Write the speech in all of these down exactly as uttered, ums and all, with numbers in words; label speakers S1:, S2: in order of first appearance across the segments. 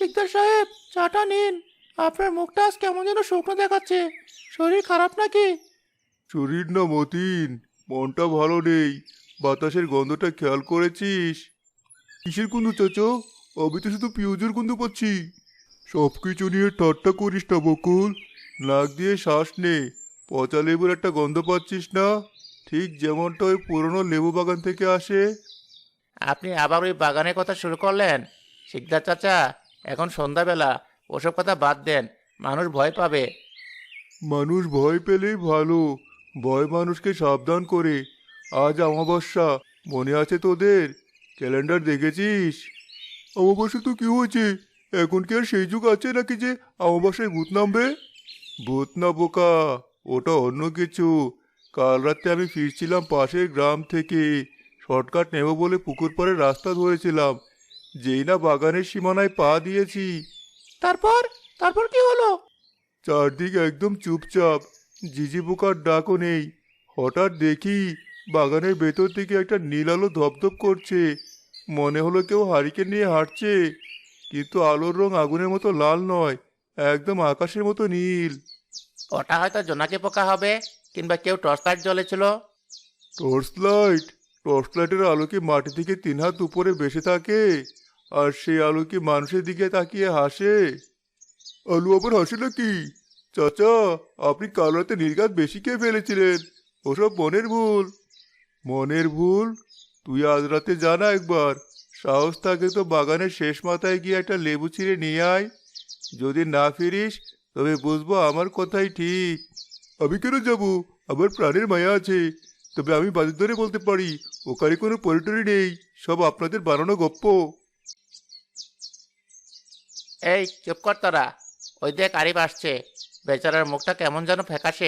S1: শিকদার সাহেব, চাটা নিন। আপনার মুখটা আজ কেমন যেন শুকনো দেখাচ্ছে। শরীর খারাপ নাকি?
S2: শরীর না মতিন, মনটা ভালো নেই। বাতাসের গন্ধটা খেয়াল করেছিস? কিসের গন্ধ চাচা? আমি তো শুধু পিঁয়াজের গন্ধ পাচ্ছি। সব কিছু নিয়ে ঠাট্টা করিস না বকুল। নাক দিয়ে শ্বাস নে। পচা লেবুর একটা গন্ধ পাচ্ছিস না? ঠিক যেমনটা ওই পুরনো লেবু বাগান থেকে আসে।
S1: আপনি আবার ওই বাগানের কথা শুরু করলেন? শিকদার চাচা, এখন সন্ধ্যাবেলা, ওসব কথা বাদ দেন। মানুষ ভয় পাবে।
S2: মানুষ ভয় পেলেই ভালো। ভয় মানুষকে সাবধান করে। আজ অমাবস্যা, মনে আছে তোদের? ক্যালেন্ডার দেখেছিস? অমাবস্যা তো কি হয়েছে? এখন কি আর সেই যুগ আছে নাকি যে অমাবস্যায় ভূত নামবে? ভূত না বোকা, ওটা অন্য কিছু। কাল রাতে আমি ফিরছিলাম পাশের গ্রাম থেকে। শর্টকাট নেব বলে পুকুর পাড়ে রাস্তা ধরেছিলাম। যেই না বাগানের সীমানায় পা দিয়েছি,
S1: তারপর তারপর কি হলো?
S2: চারদিক একদম চুপচাপ। ঝিঝি পোকার ডাকও নেই। হঠাৎ দেখি বাগানের ভেতর থেকে একটা নীল আলো ধপধপ করছে। মনে হলো কেউ হারিকেন নিয়ে হাঁটছে। কিন্তু আলোর রং আগুনের মতো লাল নয়, একদম আকাশের মতো নীল।
S1: ওটা হয়তো জোনাকি পোকা হবে, কিংবা কেউ টর্চ লাইট জ্বলেছিল।
S2: Torch light? টর্চ লাইটের আলো কি মাটি থেকে তিন হাত উপরে বেসে থাকে? আর সেই আলো কি মানুষের দিকে তাকিয়ে হাসে? আলু আবার হাসে নাকি? চাচা, আপনি কাল রাতে নির্ঘাত বেশি খেয়ে ফেলেছিলেন। ওসব মনের ভুল। মনের ভুল? তুই আজ রাতে জানা একবার। সাহস থাকে তো বাগানের শেষ মাথায় গিয়ে একটা লেবু ছিঁড়ে নিয়ে আয়। যদি না ফিরিস, তবে বুঝবো আমার কথাই ঠিক। আমি কেন যাব? আমার প্রাণের মায়া আছে। তবে আমি বাজার ধরে বলতে পারি, ওখানে কোনো পরিটরি নেই। সব আপনাদের বানানো গপ্প।
S1: এই চুপ কর তোরা। ওই দেখ আরিফ আসছে। বেচারার মুখটা কেমন যেন ফ্যাকাশে।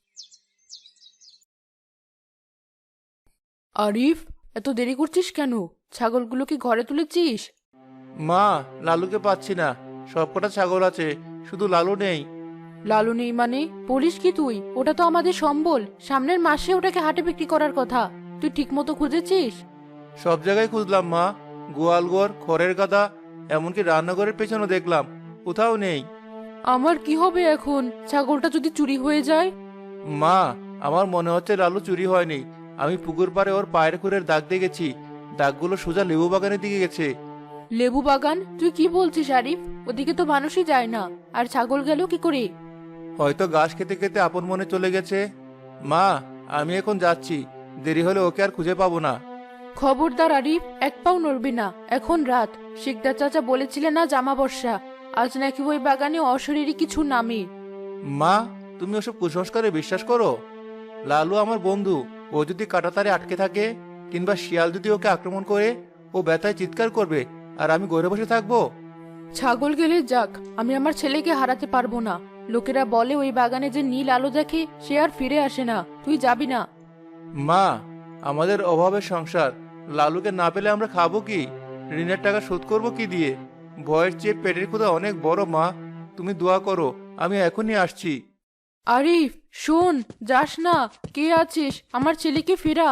S3: আরিফ, এত দেরি করছিস কেন? ছাগলগুলো কি ঘরে তুলেছিস?
S1: মা, লালুকে পাচ্ছি না। সবকটা ছাগল আছে, শুধু লালু নেই।
S3: লালু নেই মানে? বলিস কি তুই? ওটা তো আমাদের সম্বল। সামনের মাসে ওটাকে হাটে বিক্রি করার কথা। তুই ঠিক মতো খুঁজেছিস?
S1: সব জায়গায় খুঁজলাম মা। গোয়ালঘর, খড়ের গাদা, এমনকি রান্নাঘরের পেছনে দেখলাম, কোথাও নেই।
S3: আমার কি হবে এখন? ছাগলটা যদি চুরি হয়ে যায়?
S1: মা, আমার মনে হচ্ছে লালু চুরি হয়নি। আমি পুকুর পাড়ে ওর পায়ের খুরের দাগ দেখেছি। দাগগুলো সোজা লেবু বাগানের দিকে গেছে।
S3: লেবু বাগান? তুই কি বলছিস আরিফ? ওদিকে তো মানুষই যায় না। আর ছাগল গেল কি করে?
S1: হয়তো ঘাস খেতে খেতে আপন মনে চলে গেছে। মা, আমি এখন যাচ্ছি। দেরি হলে ওকে আর খুঁজে পাবো না।
S3: খবরদার আরিফ, এক পাও নড়বি না। এখন রাত। শিকদার চাচা বলেছিলেন না জামা বর্ষা। আজ নাকি ওই বাগানে অশরীরী কিছু নামে।
S1: মা, তুমি ওসব কুসংস্কারে বিশ্বাস করো? লালু আমার বন্ধু। ও যদি কাঁটাতারে আটকে থাকে, কিংবা শিয়াল যদি ওকে আক্রমণ করে, ও ব্যথায় চিৎকার করবে, আর আমি ঘরে বসে থাকবো?
S3: ছাগল গেলে যাক, আমি আমার ছেলেকে হারাতে পারবো না। লোকেরা বলে ওই বাগানে যে নীল আলো দেখে সে আর ফিরে আসে না। তুই যাবি না?
S1: মা, আমাদের অভাবের সংসার। লালুকে না পেলে আমরা খাবো কি? ঋণের টাকা শোধ করবো কি দিয়ে? ভয়ের চেয়ে পেটের ক্ষুধা অনেক বড় মা। তুমি দোয়া করো, আমি এখনই আসছি।
S3: আরিফ শোন, যাস না। কে আছিস? আমার ছেলেকে ফেরা।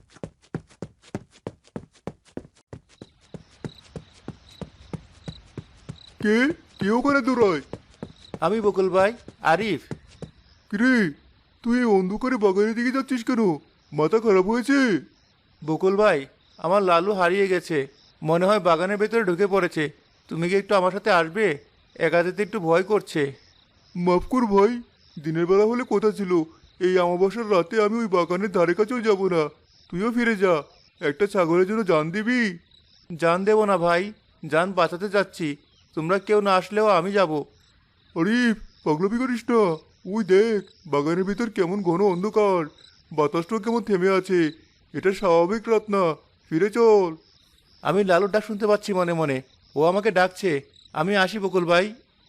S2: কে? কে ওখানে দৌড়ায়?
S1: আমি বকুল ভাই, আরিফ।
S2: কিরে, তুই এই অন্ধকারে বাগানের দিকে যাচ্ছিস কেন? মাথা খারাপ হয়েছে?
S1: বকুল ভাই, আমার লালু হারিয়ে গেছে। মনে হয় বাগানের ভেতরে ঢুকে পড়েছে। তুমি কি একটু আমার সাথে আসবে? একা যেতে একটু ভয় করছে।
S2: মাফ কর ভাই, দিনের বেলা হলে কথা ছিল। এই অমাবস্যার রাতে আমি ওই বাগানের ধারে কাছেও যাব না। তুইও ফিরে যা। একটা ছাগলের জন্য জান দিবি?
S1: জান দেব না ভাই, জান বাঁচাতে যাচ্ছি। তোমরা কেউ না আসলেও আমি যাব।
S2: আরিফ, পাগলামি করিস না। ওই দেখ, বাগানের ভিতর কেমন ঘন অন্ধকার। বাতাসটাও কেমন থেমে আছে। এটা স্বাভাবিক রাত না। ফিরে চল।
S1: আমি লালুর ডাক শুনতে পাচ্ছি মনে মনে। ও আমাকে ডাকছে। আমি আসি বকুল ভাই।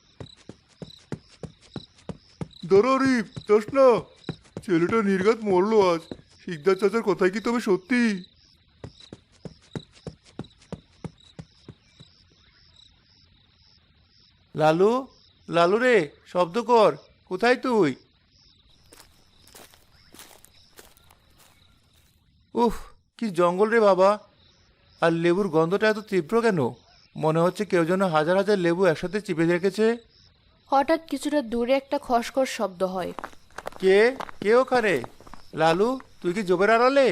S2: দাঁড়া আরিফ, যাস না। ছেলেটা নির্ঘাত মরলো আজ। শিকদার চাচার কথাই কি তবে সত্যি?
S1: লালু, লালু রে, শব্দ কর। কোথায় তুই? উফ, কি জঙ্গল রে বাবা! আর লেবুর গন্ধটা এত তীব্র কেন? মনে হচ্ছে কেউ যেন হাজার হাজার লেবু একসাথে চিপে রেখেছে।
S3: হঠাৎ কিছুটা দূরে একটা খসখস শব্দ হয়।
S1: কে কে ওখানে? লালু, তুই কি জোবের আড়ালে?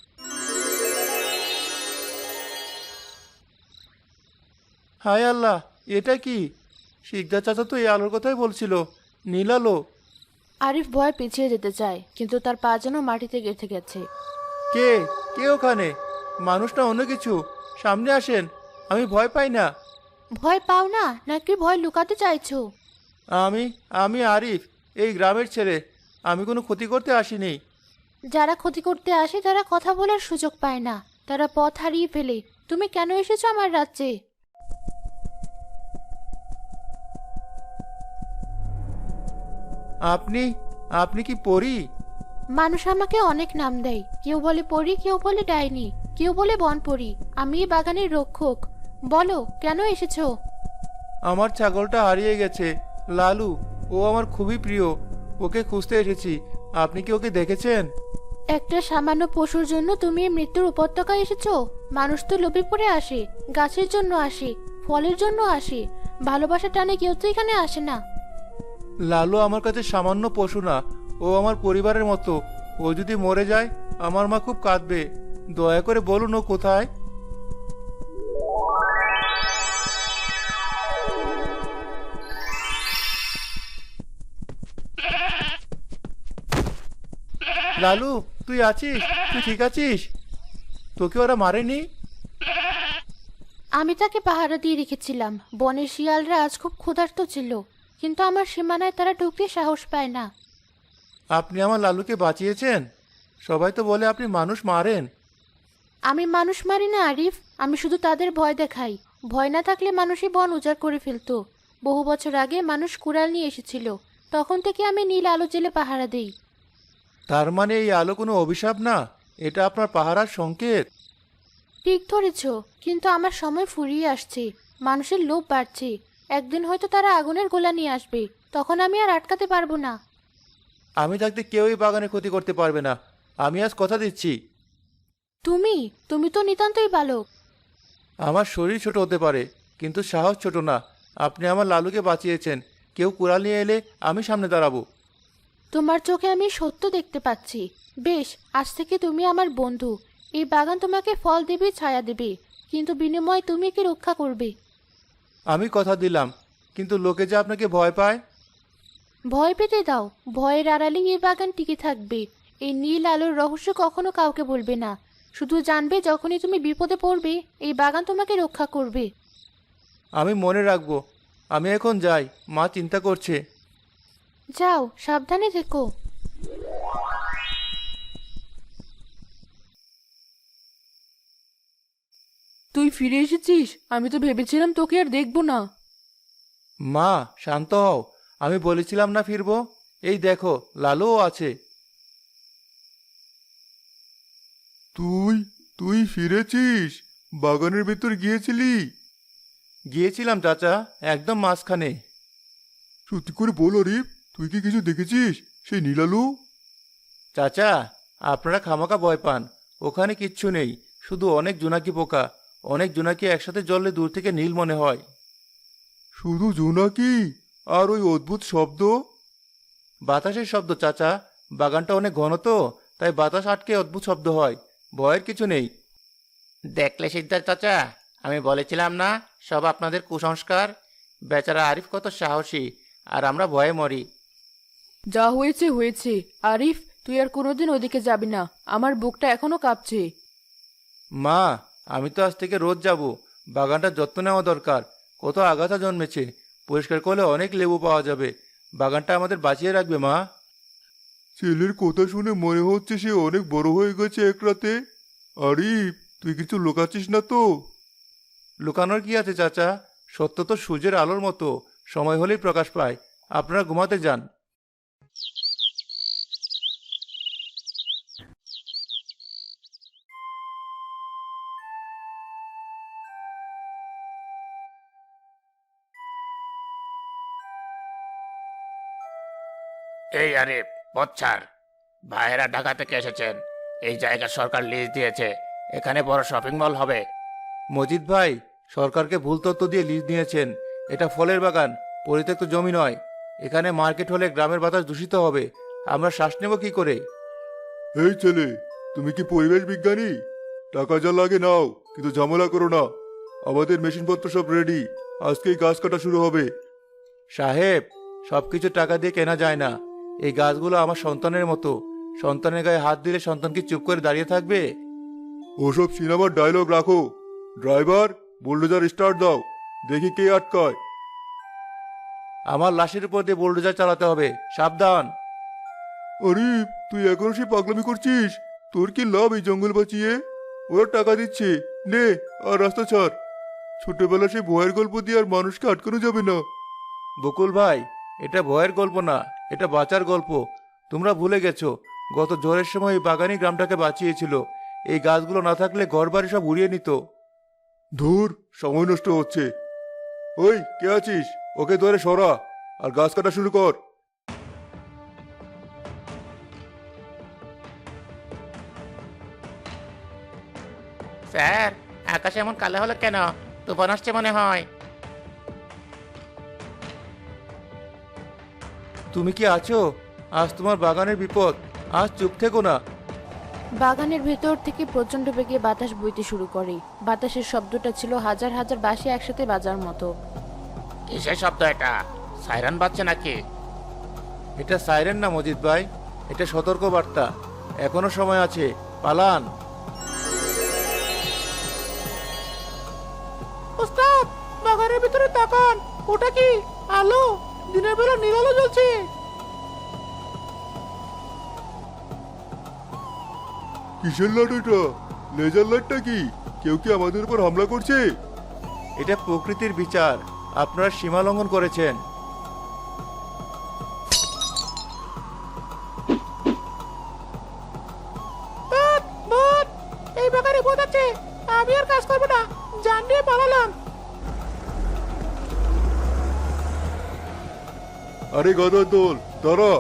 S1: হায় আল্লাহ, এটা কি? শিকদার চাচা তো এই আলোর কথাই বলছিল, নীল আলো।
S3: আরিফ ভয়ে পিছিয়ে যেতে চায়, কিন্তু তার পা যেন মাটিতে গেঁথে গেছে।
S1: কে কে ওখানে? মানুষ না অন্য কিছু, সামনে আসেন, আমি ভয় পাই না।
S3: ভয় পাও না নাকি ভয় লুকাতে চাইছো?
S1: আমি আমি আরিফ, এই গ্রামের ছেলে। আমি কোনো ক্ষতি করতে আসিনি।
S3: যারা ক্ষতি করতে আসে তারা কথা বলার সুযোগ পায় না, তারা পথ হারিয়ে ফেলে। তুমি কেন এসেছো আমার রাজ্যে?
S1: আপনি আপনি কি পরী?
S3: মানুষ আমাকে অনেক নাম দেয়, কেউ বলে পরী, কেউ বলে ডাইনি, কেউ বলে বনপরী। আমি এই বাগানের রক্ষক। বলো কেন এসেছো?
S1: আমার ছাগলটা হারিয়ে গেছে, লালু। ও আমার খুবই প্রিয়, ওকে খুঁজতে এসেছি। আপনি কি ওকে দেখেছেন?
S3: একটা সামান্য পশুর জন্য তুমি এই মৃত্যুর উপত্যকায় এসেছো? মানুষ তো লোভে পড়ে আসে, গাছের জন্য আসে, ফলের জন্য আসে। ভালোবাসার টানে কেউ তো এখানে আসে না।
S1: লালু আমার কাছে সামান্য পশু না, ও আমার পরিবারের মতো। ও যদি মরে যায় আমার মা খুব কাঁদবে। দয়া করে বলুন ও কোথায়। লালু, তুই আছিস? তুই ঠিক আছিস? তোকে ওরা মারেনি?
S3: আমি তাকে পাহারা দিয়ে রেখেছিলাম। বনের শিয়ালরা আজ খুব ক্ষুধার্ত ছিল, কিন্তু আমার সীমানায় তারা ঢুকতে সাহস পায় না।
S1: আপনি আমার লালুকে বাঁচিয়েছেন? সবাই তো বলে আপনি মানুষ মারেন।
S3: আমি মানুষ মারি না আরিফ, আমি শুধু তাদের ভয় দেখাই। ভয় না থাকলে মানুষই বন উজাড় করে ফেলতো। বহু বছর আগে মানুষ কুড়াল নিয়ে এসেছিল, তখন থেকে আমি নীল আলো জেলে পাহারা দেই।
S1: তার মানে এই আলো কোনো অভিশাপ না, এটা আপনার পাহারার সংকেত।
S3: ঠিক ধরেছ, কিন্তু আমার সময় ফুরিয়ে আসছে। মানুষের লোভ বাড়ছে। একদিন হয়তো তারা আগুনের গোলা নিয়ে আসবে, তখন আমি আর আটকাতে পারবো না।
S1: আমি থাকতে কেউই বাগানে ক্ষতি করতে পারবে না, আমি আজ কথা দিচ্ছি।
S3: তুমি তুমি তো নিতান্তই বালক।
S1: আমার শরীর ছোট হতে পারে, কিন্তু সাহস ছোট না। আপনি আমার লালুকে বাঁচিয়েছেন, কেউ কুড়াল নিয়ে এলে আমি সামনে দাঁড়াবো।
S3: তোমার চোখে আমি সত্য দেখতে পাচ্ছি। বেশ, আজ থেকে তুমি আমার বন্ধু। এই বাগান তোমাকে ফল দেবে, ছায়া দেবে, কিন্তু বিনিময়ে তুমি কি রক্ষা করবে?
S1: আমি কথা দিলাম, কিন্তু লোকে যে আপনাকে ভয় পায়।
S3: ভয় পেতে দাও, ভয়ের আড়ালেই এই বাগান টিকে থাকবে। এই নীল আলোর রহস্য কখনো কাউকে বলবে না। শুধু জানবে যখনই তুমি বিপদে পড়বে, এই বাগান তোমাকে রক্ষা করবে।
S1: আমি মনে রাখবো। আমি এখন যাই, মা চিন্তা করছে।
S3: যাও, সাবধানে থেকো। তুই ফিরে এসেছিস? আমি তো ভেবেছিলাম তোকে আর দেখবো না।
S1: মা, শান্ত হও। আমি বলেছিলাম না ফিরবো। এই দেখো, লালুও আছে।
S2: তুই তুই ফিরেছিস? বাগানের ভেতর গিয়েছিলি?
S1: গিয়েছিলাম চাচা, একদম মাঝখানে।
S2: সত্যি করে বল আরিফ, তুই কি কিছু দেখেছিস সেই নীলালু?
S1: চাচা, আপনারা খামাকা ভয় পান। ওখানে কিচ্ছু নেই, শুধু অনেক জোনাকি পোকা। অনেক জোনাকি একসাথে জ্বললে দূর থেকে নীল মনে হয়।
S2: শুধু জোনাকি? আর ওই অদ্ভুত শব্দ?
S1: বাতাসের শব্দ চাচা। বাগানটা অনেক ঘন তো, তাই বাতাস আটকে অদ্ভুত শব্দ হয়। ভয়ের কিছু নেই। দেখলে সিদ্ধার্থ চাচা, আমি বলেছিলাম না সব আপনাদের কুসংস্কার। বেচারা আরিফ কত সাহসী, আর আমরা ভয়ে মরি।
S3: যা হয়েছে হয়েছে। আরিফ, তুই আর কোনোদিন ওদিকে যাবি না। আমার বুকটা এখনো কাঁপছে।
S1: মা, আমি তো আজ থেকে রোজ যাব। বাগানটার যত্ন নেওয়া দরকার। কত আগাছা জন্মেছে, পরিষ্কার করলে অনেক লেবু পাওয়া যাবে। বাগানটা আমাদের বাঁচিয়ে রাখবে মা।
S2: ছেলের কথা শুনে মনে হচ্ছে সে অনেক বড় হয়ে গেছে এক রাতে। আরিফ, তুই কিছু লুকাচ্ছিস না তো?
S1: লুকানোর কি আছে চাচা? সত্য তো সূর্যের আলোর মতো, সময় হলেই প্রকাশ পায়। আপনারা ঘুমাতে যান।
S4: এই আরে পথ ছাড়। ভাইয়েরা ঢাকা থেকে এসেছেন। এই জায়গা সরকার লিজ দিয়েছে, এখানে বড় শপিং মল হবে।
S1: মজিদ ভাই, সরকারকে ভুল তথ্য দিয়ে লিজ নিয়েছেন। এটা ফলের বাগান, পরিত্যক্ত জমি নয়। এখানে মার্কেট হলে গ্রামের বাতাস দূষিত হবে। আমরা শ্বাস নেব কি করে?
S2: এই ছেলে, তুমি কি পরিবেশ বিজ্ঞানী? টাকা যা লাগে নাও, কিন্তু ঝামেলা করো না। আমাদের মেশিনপত্র সব রেডি, আজকেই গাছ কাটা শুরু হবে।
S1: সাহেব, সবকিছু টাকা দিয়ে কেনা যায় না। এই গাছগুলো আমার সন্তানের মতো। সন্তানের গায়ে হাত দিলে সন্তান কি চুপ করে দাঁড়িয়ে থাকবে?
S2: ওসব সিনেমার ডায়লগ রাখো। ড্রাইভার, বুলডোজার স্টার্ট দাও, দেখি কে আটকায়।
S1: আমার লাশের উপর দিয়ে বুলডোজার চালাতে হবে, সাবধান।
S2: আরে, তুই এখনো সে পাগলামি করছিস? তোর কি লাভ এই জঙ্গল বাঁচিয়ে? ওরা টাকা দিচ্ছে, নে আর রাস্তা ছাড়। ছোটবেলা সে ভয়ের গল্প দিয়ে আর মানুষকে আটকানো যাবে না।
S1: বকুল ভাই, এটা ভয়ের গল্প না, এটা বাঁচার গল্প। তোমরা ভুলে গেছো, গত ঝড়ের সময় এই বাগানই গ্রামটাকে বাঁচিয়েছিল। এই গাছগুলো না থাকলে ঘরবাড়ি সব উড়িয়ে নিত।
S2: ধুর, সময় নষ্ট হচ্ছে। ওই, কে আছিস? ওকে ধরে সরা আর গাছ কাটা শুরু কর।
S4: স্যার, আকাশ এমন কালো হলো কেন? তুফান আসছে মনে হয়।
S1: তুমি কি আছো? আজ তোমার বাগানের বিপদ। আজ চুপ থেকো না।
S3: বাগানের ভেতর থেকে প্রচণ্ড বেগে বাতাস বইতে শুরু করে। বাতাসের শব্দটা ছিল হাজার হাজার বাঁশি একসাথে বাজার মতো।
S4: কিসের শব্দ এটা? সাইরান বাজছে নাকি?
S1: এটা সাইরেন না মজিদ ভাই, এটা সতর্ক বার্তা। এখনো সময় আছে, পালান।
S5: ওস্তাদ, বাগানের ভিতরে তাকান। ওটা কি আলো? দিনের বেলা নীল আলো জ্বলছে।
S2: কিসের লাইট এটা? লেজার লাইটটা কি? কেউ কি আমাদের উপর হামলা করছে?
S1: এটা প্রকৃতির বিচার। আপনারা সীমা লঙ্ঘন করেছেন।
S5: বাদ, বাদ। এই বাগানে ভূত আছে। আমি আর কাজ করবো না, জান নিয়ে পালালাম।
S2: আরে গাদার দল, দাঁড়া।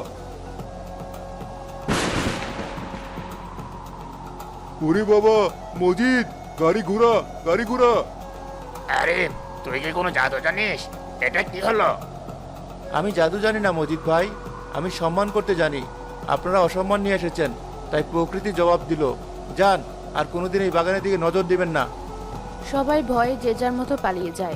S2: ওরে বাবা, মজিদ, গাড়ি ঘোড়া, গাড়ি ঘোড়া।
S4: আরে, তুই কি কোনো জাদু জানিস? এটা কি হলো?
S1: আমি জাদু জানি না মজিদ ভাই, আমি সম্মান করতে জানি। আপনারা অসম্মান নিয়ে এসেছেন, তাই প্রকৃতি জবাব দিল। যান, আর কোনোদিন এই বাগানের দিকে নজর দিবেন না।
S3: সবাই ভয়ে যে যার মতো পালিয়ে যায়।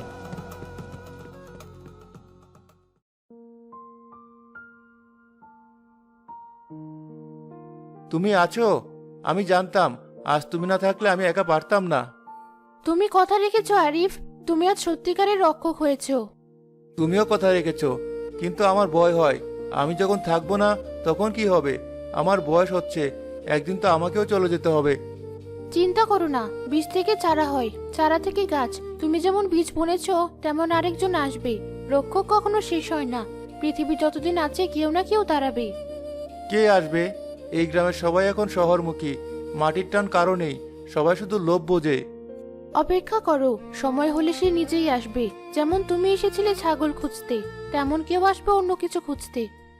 S1: তুমি আছো? আমি জানতাম আজ তুমি না থাকলে আমি একা পারতাম না।
S3: তুমি কথা রেখেছো আরিফ, তুমি আজ সত্যিকারের রক্ষক হয়েছো।
S1: তুমিও কথা রেখেছো, কিন্তু আমার ভয় হয়। আমি যখন থাকবো না তখন কি হবে? আমার বয়স হচ্ছে, একদিন তো আমাকেও চলে যেতে হবে।
S3: চিন্তা করো না, বীজ থেকে চারা হয়, চারা থেকে গাছ। তুমি যেমন বীজ বুনেছো, তেমন আরেকজন আসবে। রক্ষক কখনো শেষ হয় না। পৃথিবী যতদিন আছে কেউ না কেউ দাঁড়াবে।
S1: কে আসবে? এই গ্রামের সবাই এখন শহরমুখী। মাটির টান কারো নেই, সবাই শুধু লোভ বোঝে।
S3: অপেক্ষা করো, সময় হলে সে নিজেই আসবে। যেমন তুমি এসেছিলে ছাগল খুঁজতে, তেমন কেউ আসবে অন্য কিছু খুঁজতে।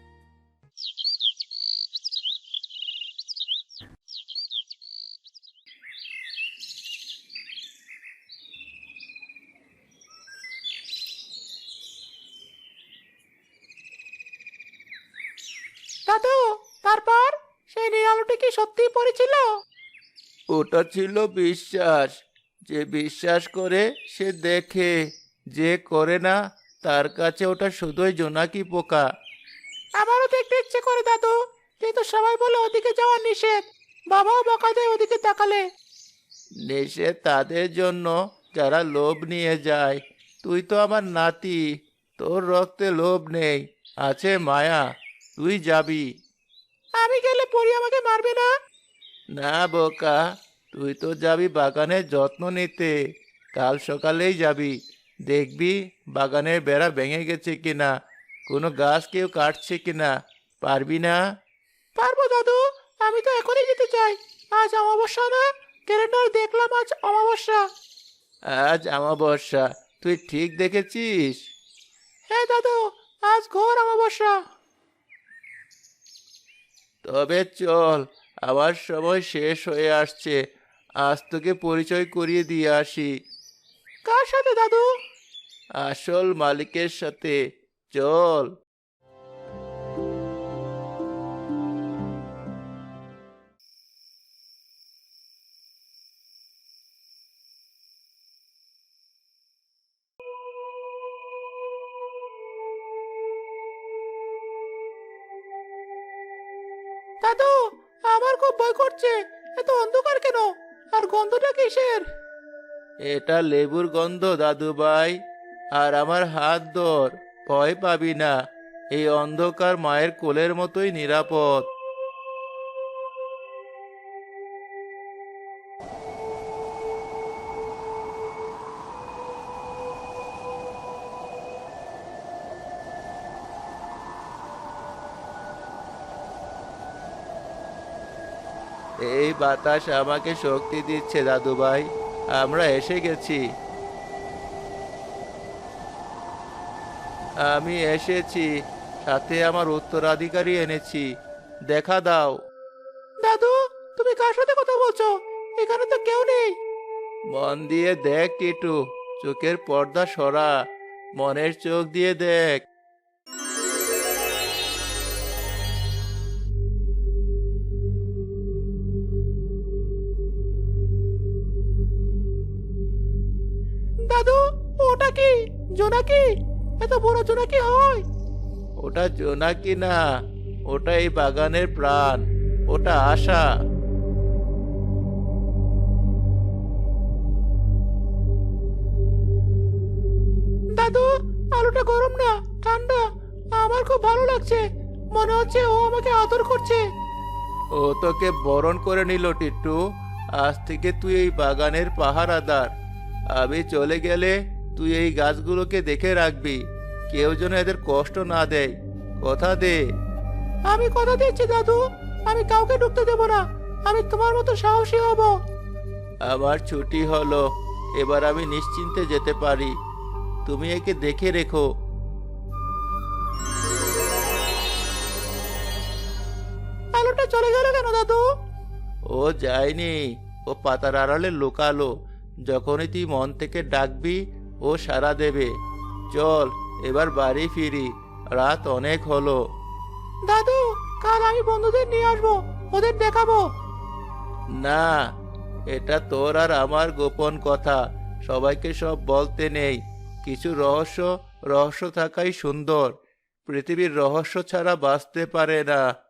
S5: দাদু, তারপর সেই নীল আলোটি কি সত্যিই পড়েছিল?
S1: ওটা ছিল বিশ্বাস। যে বিশ্বাস করে সে দেখে, যে করে না তার কাছে ওটা শুধুই জোনাকি পোকা।
S5: আমারও দেখতে ইচ্ছে করে দাদু, কিন্তু সবাই বলে ওদিকে যাওয়া নিষেধ। বাবাও বকা দেয় ওদিকে তাকালে।
S1: নেশে তাদের জন্য যারা লোভ নিয়ে যায়। তুই তো আমার নাতি, তোর রক্তে লোভ নেই, আছে মায়া। তুই যাবি
S5: আমি গেলে পরি আমাকে মারবে না?
S1: না বোকা, তুই তো যাবি বাগানের যত্ন নিতে। কাল সকালেই যাবি, দেখবি বাগানের বেড়া ভেঙে গেছে কিনা, কোনো গাছ কেউ কাটছে কিনা। পারবি না?
S5: পারবো দাদু, আমি তো এখনই যেতে চাই। আজ অমাবস্যা না? ক্যালেন্ডারে দেখলাম আজ অমাবস্যা।
S1: আজ আমাবস্যা, তুই ঠিক দেখেছিস।
S5: হ্যাঁ দাদু, আজ ঘোর অমাবস্যা।
S1: তবে চল, আমার সময় শেষ হয়ে আসছে। আজ তোকে পরিচয় করিয়ে দিয়ে আসি।
S5: কার কার সাথে দাদু?
S1: আসল মালিকের সাথে। চল।
S5: দাদু, আমার খুব ভয় করছে। এত অন্ধকার কেন? আর গন্ধটা কিসের?
S1: এটা লেবুর গন্ধ দাদু ভাই। আর আমার হাত ধর, ভয় পাবি না। এই অন্ধকার মায়ের কোলের মতোই নিরাপদ। এই বাতাস আমাকে শক্তি দিচ্ছে দাদু ভাই। আমরা এসে গেছি। আমি এসেছি, সাথে আমার উত্তরাধিকারী এনেছি। দেখা দাও।
S5: দাদু, তুমি কার সাথে কথা বলছো? এখানে তো কেউ নেই।
S1: মন দিয়ে দেখ টিটু, চোখের পর্দা সরা, মনের চোখ দিয়ে দেখ।
S5: দাদু, ওটা কি? জোনাকি? এত বড় জোনাকি হয়?
S1: ওটা জোনাকি না, ওটা এই বাগানের প্রাণ। ওটা আশা।
S5: দাদু, আলোটা গরম না, ঠান্ডা। আমার খুব ভালো লাগছে। মনে হচ্ছে ও আমাকে আদর করছে।
S1: ও তোকে বরণ করে নিল টিট্টু। আজ থেকে তুই এই বাগানের পাহারাদার। আমি চলে গেলে তুই এই গাছগুলোকে দেখে রাখবি। কেউ যেন এদের কষ্ট না দেয়। কথা দে।
S5: আমি কথা দিচ্ছি দাদু, আমি কাউকে ঢুকতে দেব না। আমি তোমার মতো সাহসী হব।
S1: আমার ছুটি হলো, এবার আমি নিশ্চিন্তে যেতে পারি। তুমি একে দেখে রেখো।
S5: আলোটা চলে গেল কেন দাদু?
S1: ও যায়নি, ও পাতার আড়ালে লুকালো। যখনই তুই মন থেকে ডাকবি ও সাড়া দেবে। চল এবার বাড়ি ফিরি, রাত অনেক হলো।
S5: দাদু, কাল আমি বন্ধুদের নিয়ে আসবো, ওদের দেখাবো।
S1: না, এটা তোর আর আমার গোপন কথা। সবাইকে সব বলতে নেই। কিছু রহস্য রহস্য থাকাই সুন্দর। পৃথিবীর রহস্য ছাড়া বাঁচতে পারে না।